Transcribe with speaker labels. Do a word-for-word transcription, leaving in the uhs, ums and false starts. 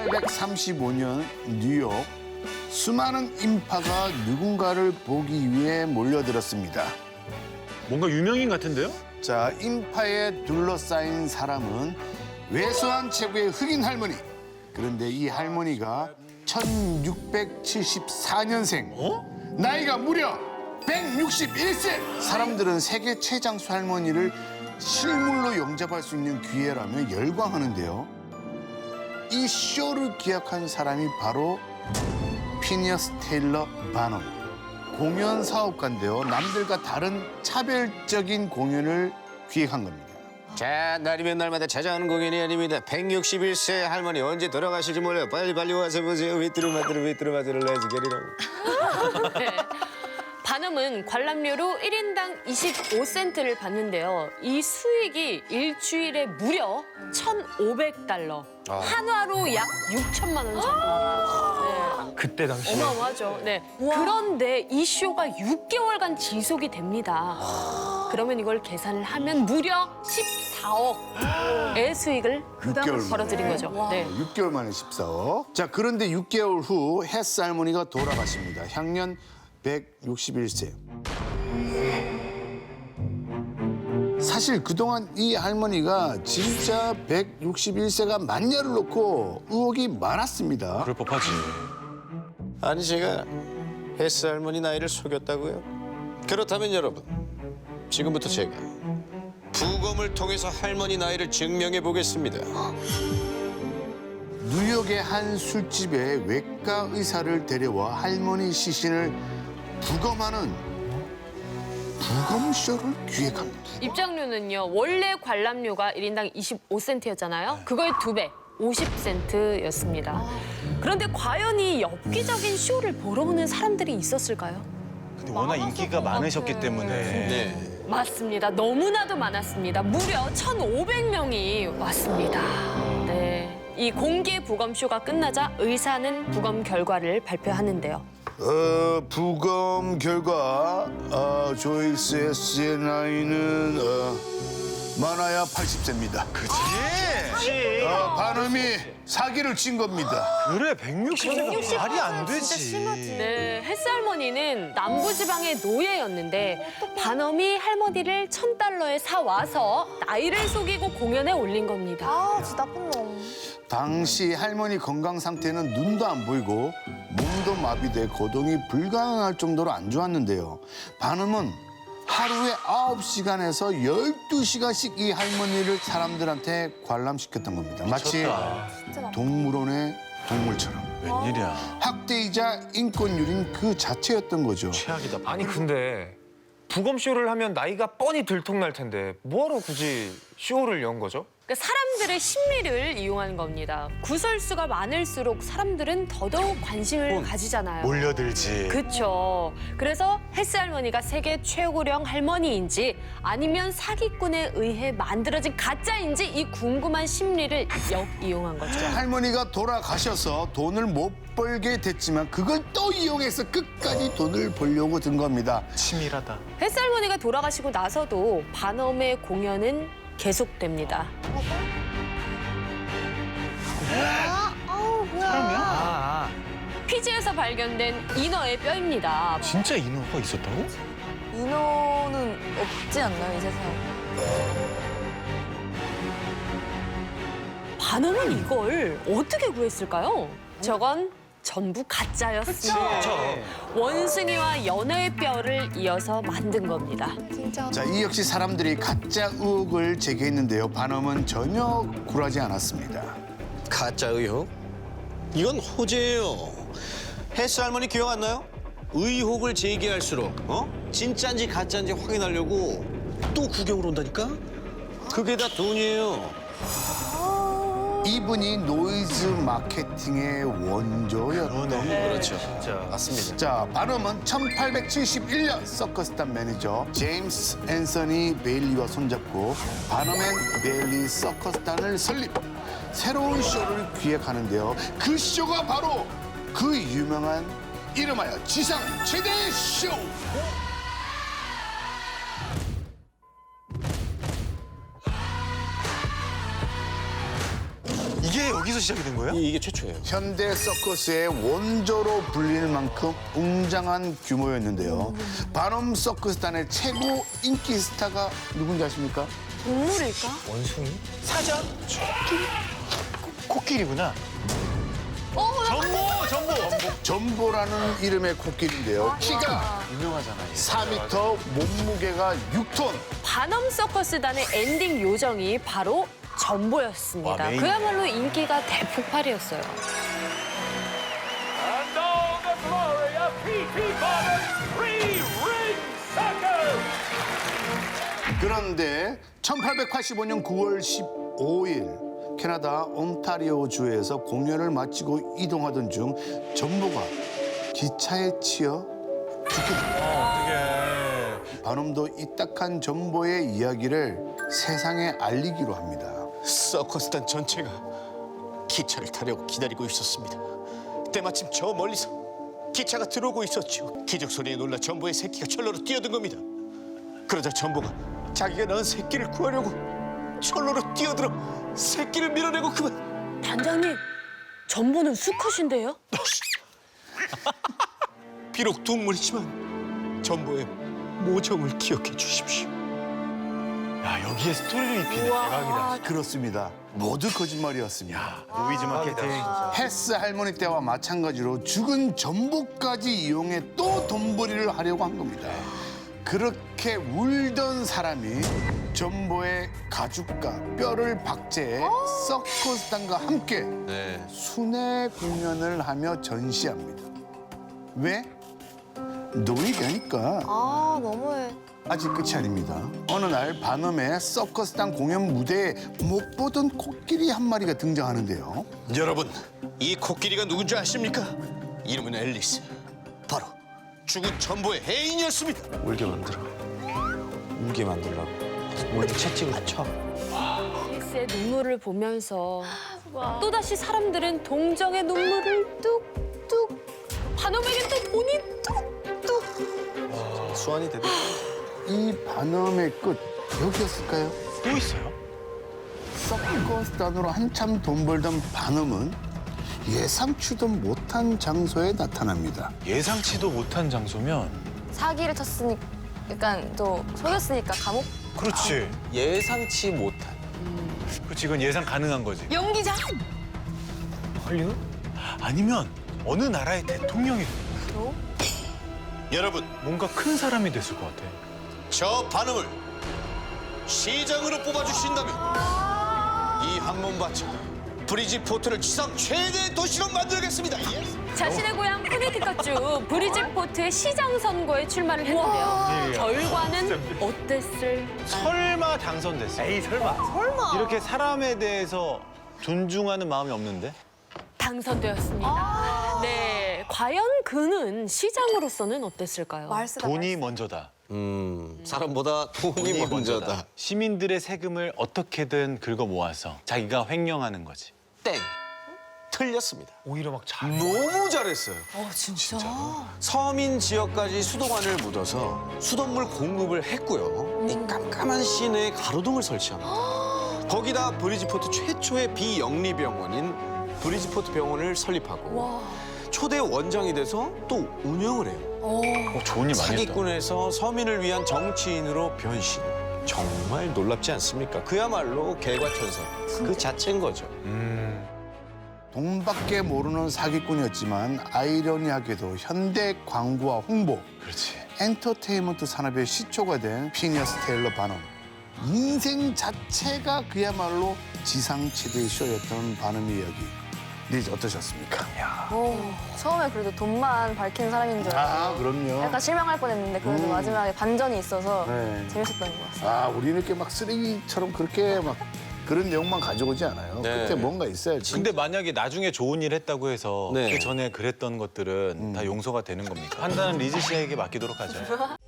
Speaker 1: 천팔백삼십오 년 뉴욕, 수많은 인파가 누군가를 보기 위해 몰려들었습니다.
Speaker 2: 뭔가 유명인 같은데요?
Speaker 1: 자, 인파에 둘러싸인 사람은 왜소한 체구의 흑인 할머니. 그런데 이 할머니가 천육백칠십사 년생.
Speaker 2: 어?
Speaker 1: 나이가 무려 백육십일 세. 사람들은 세계 최장수 할머니를 실물로 영접할 수 있는 기회라며 열광하는데요. 이 쇼를 기획한 사람이 바로 피니어스 테일러 바넘. 공연 사업가인데요. 남들과 다른 차별적인 공연을 기획한 겁니다.
Speaker 3: 자, 날이면 날마다 찾아오는 공연이 아닙니다. 백육십일 세 할머니 언제 돌아가실지 몰라요. 빨리 빨리 와서 보세요. 위뚜루마뚜루 위뚜루마뚜루 레츠 게리로.
Speaker 4: 네. 바넘은 관람료로 일 인당 이십오 센트를 받는데요. 이 수익이 일주일에 무려 천오백 달러.
Speaker 3: 아.
Speaker 4: 한화로 약 육천만 원 정도. 네.
Speaker 2: 그때 당시.
Speaker 4: 어마어마하죠. 네. 그런데 이 쇼가 육 개월간 지속이 됩니다. 그러면 이걸 계산을 하면 무려 십사억의 수익을
Speaker 1: 육 개월 만에.
Speaker 4: 벌어들인 거죠. 네.
Speaker 1: 육 개월 만에 십사억. 자, 그런데 육 개월 후 헤스 할머니가 돌아가십니다. 향년 백육십일 세. 사실 그동안 이 할머니가 진짜 백육십일 세가 맞냐를 놓고 의혹이 많았습니다.
Speaker 2: 그럴 법하지.
Speaker 3: 아니 제가 헬스 할머니 나이를 속였다고요? 그렇다면 여러분, 지금부터 제가 부검을 통해서 할머니 나이를 증명해 보겠습니다.
Speaker 1: 뉴욕의 한 술집에 외과 의사를 데려와 할머니 시신을 부검하는 부검쇼를 기획합니다.
Speaker 4: 입장료는요, 원래 관람료가 일 인당 이십오 센트였잖아요. 그거의 두 배, 오십 센트였습니다. 그런데 과연 이 엽기적인 쇼를 보러 오는 사람들이 있었을까요?
Speaker 2: 근데 워낙 인기가 많으셨기 때문에.
Speaker 3: 네.
Speaker 4: 맞습니다. 너무나도 많았습니다. 무려 천오백 명이 왔습니다. 네. 이 공개 부검쇼가 끝나자 의사는 부검 결과를 발표하는데요.
Speaker 1: 어, 부검 결과 어, 조일스의 씨의 나이는 어, 많아야 팔십 세입니다.
Speaker 2: 그치?
Speaker 1: 어, 반음이 사기를 친 겁니다.
Speaker 2: 그래, 백육십 세가 말이 안 되지.
Speaker 4: 네, 헬스 할머니는 남부지방의 노예였는데 반엄이 할머니를 천 달러에 사와서 나이를 속이고 공연에 올린 겁니다.
Speaker 5: 아, 진짜 나쁜 놈.
Speaker 1: 당시 할머니 건강 상태는 눈도 안 보이고 몸도 마비돼 거동이 불가능할 정도로 안 좋았는데요. 반음은 하루에 아홉 시간에서 열두 시간씩 이 할머니를 사람들한테 관람시켰던 겁니다. 마치
Speaker 2: 미쳤다.
Speaker 1: 동물원의 동물처럼.
Speaker 2: 웬일이야.
Speaker 1: 학대이자 인권유린 그 자체였던 거죠.
Speaker 2: 최악이다.
Speaker 6: 아니 근데 부검쇼를 하면 나이가 뻔히 들통날 텐데 뭐하러 굳이 쇼를 연 거죠?
Speaker 4: 그러니까 사람들의 심리를 이용하는 겁니다. 구설수가 많을수록 사람들은 더더욱 관심을 가지잖아요.
Speaker 2: 몰려들지.
Speaker 4: 그렇죠. 그래서 헬스 할머니가 세계 최고령 할머니인지 아니면 사기꾼에 의해 만들어진 가짜인지 이 궁금한 심리를 역이용한 거죠.
Speaker 1: 할머니가 돌아가셔서 돈을 못 벌게 됐지만 그걸 또 이용해서 끝까지 돈을 벌려고 든 겁니다.
Speaker 2: 치밀하다.
Speaker 4: 헬스 할머니가 돌아가시고 나서도 반엄의 공연은 계속됩니다.
Speaker 5: 아, 아우, 뭐야.
Speaker 6: 아,
Speaker 4: 피지에서 발견된 인어의 뼈입니다.
Speaker 2: 진짜 인어가 있었다고?
Speaker 5: 인어는 없지 않나요, 이 세상에?
Speaker 4: 반엄은 이걸 어떻게 구했을까요? 저건 전부 가짜였습니다. 원숭이와 연어의 뼈를 이어서 만든 겁니다.
Speaker 5: 진짜.
Speaker 1: 자, 이 역시 사람들이 가짜 의혹을 제기했는데요. 반엄은 전혀 굴하지 않았습니다.
Speaker 3: 가짜 의혹? 이건 호재예요. 헬스 할머니 기억 안 나요? 의혹을 제기할수록 어? 진짜인지 가짜인지 확인하려고 또 구경을 온다니까? 그게 다 돈이에요.
Speaker 1: 이분이 노이즈 마케팅의 원조였던 거죠.
Speaker 3: 그렇죠.
Speaker 6: 진짜.
Speaker 3: 맞습니다.
Speaker 1: 자, 반엄은 천팔백칠십일 년 서커스단 매니저 제임스 앤서니 베일리와 손잡고 반엄 앤 베일리 서커스단을 설립. 새로운 쇼를 기획하는데요. 그 쇼가 바로 그 유명한 이름하여 지상 최대 쇼!
Speaker 2: 이게 여기서 여기서 시작이 된 거예요?
Speaker 3: 이- 이게 최초예요.
Speaker 1: 현대 서커스의 원조로 불릴 만큼 웅장한 규모였는데요. 바놈 서커스단의 최고 인기 스타가 누군지 아십니까?
Speaker 5: 동물일까?
Speaker 6: 원숭이?
Speaker 2: 사자? 코끼리? 코끼리구나. 전보, 전보.
Speaker 1: 전보라는 이름의 코끼리인데요. 키가
Speaker 2: 유명하잖아.
Speaker 1: 사 미터, 몸무게가 육 톤.
Speaker 4: 반엄 서커스단의 엔딩 요정이 바로 전보였습니다.
Speaker 2: 와, 메인.
Speaker 4: 그야말로 인기가 대폭발이었어요.
Speaker 7: And all the glory of P T Barnum's three-ring circus!
Speaker 1: 그런데 천팔백팔십오 년 구월 십오일 캐나다 온타리오주에서 공연을 마치고 이동하던 중 전보가 기차에 치여 죽게 됩니다.
Speaker 2: 어떻게?
Speaker 1: 반엄도 이 딱한 전보의 이야기를 세상에 알리기로 합니다.
Speaker 3: 서커스단 전체가 기차를 타려고 기다리고 있었습니다. 때마침 저 멀리서 기차가 들어오고 있었죠. 기적 소리에 놀라 전보의 새끼가 철로로 뛰어든 겁니다. 그러자 전보가 자기가 낳은 새끼를 구하려고 철로로 뛰어들어 새끼를 밀어내고 그만.
Speaker 4: 단장님, 전보는 수컷인데요?
Speaker 3: 비록 동물이지만 전보의 모정을 기억해 주십시오.
Speaker 2: 야, 여기에 스토리를 입히네. 대박이다.
Speaker 1: 그렇습니다. 모두 거짓말이었습니다.
Speaker 2: 노이즈 마케팅.
Speaker 1: 헤스 할머니 때와 마찬가지로 죽은 전보까지 이용해 또 돈벌이를 하려고 한 겁니다. 그렇게 울던 사람이 전보의 가죽과 뼈를 박제해 서커스단과 함께
Speaker 3: 네.
Speaker 1: 순회 공연을 하며 전시합니다. 왜? 노이가니까.
Speaker 5: 아, 너무해.
Speaker 1: 아직 끝이 아닙니다. 어느 날 반엄의 서커스단 공연 무대에 못 보던 코끼리 한 마리가 등장하는데요.
Speaker 3: 여러분, 이 코끼리가 누군지 아십니까? 이름은 앨리스. 바로 죽은 전보의 해인이었습니다.
Speaker 6: 울게 만들어. 울게 만들라고. 울게 채찍을 쳐.
Speaker 4: 앨리스의 눈물을 보면서 또다시 사람들은 동정의 눈물을 뚝뚝, 반엄에겐 또 돈이 뚝뚝.
Speaker 6: 수완이 되대.
Speaker 1: 이 반엄의 끝 여기였을까요?
Speaker 2: 또 있어요?
Speaker 1: 서커스단으로 한참 돈 벌던 반엄은 예상치도 못한 장소에 나타납니다.
Speaker 2: 예상치도 못한 장소면
Speaker 5: 사기를 쳤으니까, 약간 또 속였으니까 감옥?
Speaker 2: 그렇지.
Speaker 6: 예상치 못한.
Speaker 2: 그렇지, 이건 예상 가능한 거지.
Speaker 5: 연기자?
Speaker 6: 헐리우드?
Speaker 2: 아니면 어느 나라의 대통령이
Speaker 5: 또?
Speaker 3: 여러분,
Speaker 2: 뭔가 큰 사람이 됐을 것 같아.
Speaker 3: 저 반음을 시장으로 뽑아주신다면 이 한몸 바쳐 브리지포트를 지상 최대 도시로 만들겠습니다. 예?
Speaker 4: 자신의 고향 코네티컷주 브리지포트의 시장 선거에 출마를 했는데요. 결과는 어땠을?
Speaker 2: 설마 당선됐어? 에이, 설마. 설마. 이렇게 사람에 대해서 존중하는 마음이 없는데?
Speaker 4: 당선되었습니다. 네, 과연 그는 시장으로서는 어땠을까요?
Speaker 5: 말쓰다.
Speaker 2: 돈이 먼저다.
Speaker 3: 음, 사람보다 돈이 먼저다.
Speaker 2: 시민들의 세금을 어떻게든 긁어 모아서 자기가 횡령하는 거지.
Speaker 3: 땡. 틀렸습니다.
Speaker 6: 오히려 막 잘.
Speaker 3: 너무 잘했어요.
Speaker 5: 어, 진짜?
Speaker 3: 서민 지역까지 수도관을 묻어서 수돗물 공급을 했고요. 이 깜깜한 시내에 가로등을 설치합니다. 거기다 브리지포트 최초의 비영리 병원인 브리지포트 병원을 설립하고
Speaker 5: 와.
Speaker 3: 초대 원장이 돼서 또 운영을 해요.
Speaker 5: 어.
Speaker 2: 어, 좋은 일 많이 했다.
Speaker 3: 사기꾼에서 서민을 위한 정치인으로 변신. 정말 놀랍지 않습니까? 그야말로 개과천선 그 자체인 거죠.
Speaker 2: 음,
Speaker 1: 돈밖에 모르는 사기꾼이었지만 아이러니하게도 현대 광고와 홍보,
Speaker 2: 그렇지.
Speaker 1: 엔터테인먼트 산업의 시초가 된 피니어스 테일러 반엄. 인생 자체가 그야말로 지상치대 쇼였던 반엄의 이야기. 네, 어떠셨습니까?
Speaker 5: 오, 처음에 그래도 돈만 밝히는 사람인 줄 알고
Speaker 1: 아, 그럼요.
Speaker 5: 약간 실망할 뻔했는데 그래도
Speaker 1: 음.
Speaker 5: 마지막에 반전이 있어서
Speaker 1: 네.
Speaker 5: 재밌었던 것 같아요.
Speaker 1: 아, 우리는 이렇게 막 쓰레기처럼 그렇게 막 그런 내용만 가져오지 않아요.
Speaker 3: 네.
Speaker 1: 끝에 뭔가 있어야지.
Speaker 2: 근데 만약에 나중에 좋은 일 했다고 해서
Speaker 3: 네.
Speaker 2: 그 전에 그랬던 것들은 다 용서가 되는 겁니까? 판단은 리즈 씨에게 맡기도록 하죠.